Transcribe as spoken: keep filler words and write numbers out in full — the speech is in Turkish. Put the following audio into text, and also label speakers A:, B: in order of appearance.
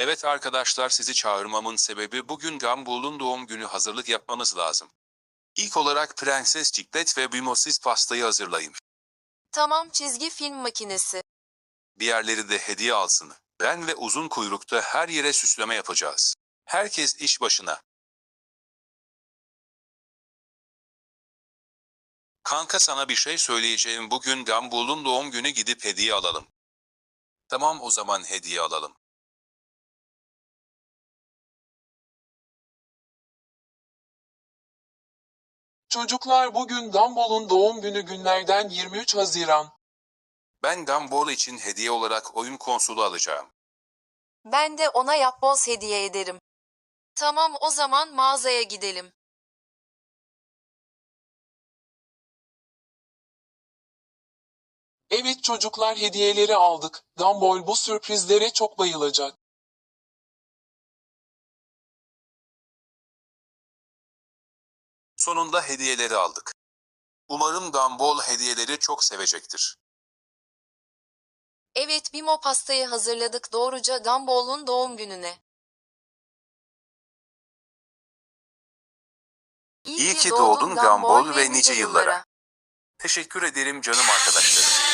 A: Evet arkadaşlar, sizi çağırmamın sebebi bugün Gumball'un doğum günü hazırlık yapmamız lazım. İlk olarak Prenses Ciklet ve Bimosiz pastayı hazırlayın.
B: Tamam, çizgi film makinesi.
A: Diğerleri de hediye alsın. Ben ve uzun kuyrukta her yere süsleme yapacağız. Herkes iş başına. Kanka, sana bir şey söyleyeceğim. Bugün Gumball'un doğum günü, gidip hediye alalım. Tamam, o zaman hediye alalım.
C: Çocuklar, bugün Gumball'un doğum günü, günlerden yirmi üç Haziran.
A: Ben Gumball için hediye olarak oyun konsolu alacağım.
B: Ben de ona yapboz hediye ederim. Tamam, o zaman mağazaya gidelim.
C: Evet çocuklar, hediyeleri aldık. Gumball bu sürprizlere çok bayılacak.
A: Sonunda hediyeleri aldık. Umarım Gumball hediyeleri çok sevecektir.
B: Evet, Bimo pastayı hazırladık doğruca Gumball'un doğum gününe. İyi
A: İyi
B: ki
A: ki
B: doğdun
A: doğdun
B: Gumball
A: Gumball
B: ve
A: ve
B: nice
A: nice yıllara.
B: yıllara.
A: Teşekkür ederim canım arkadaşlarım.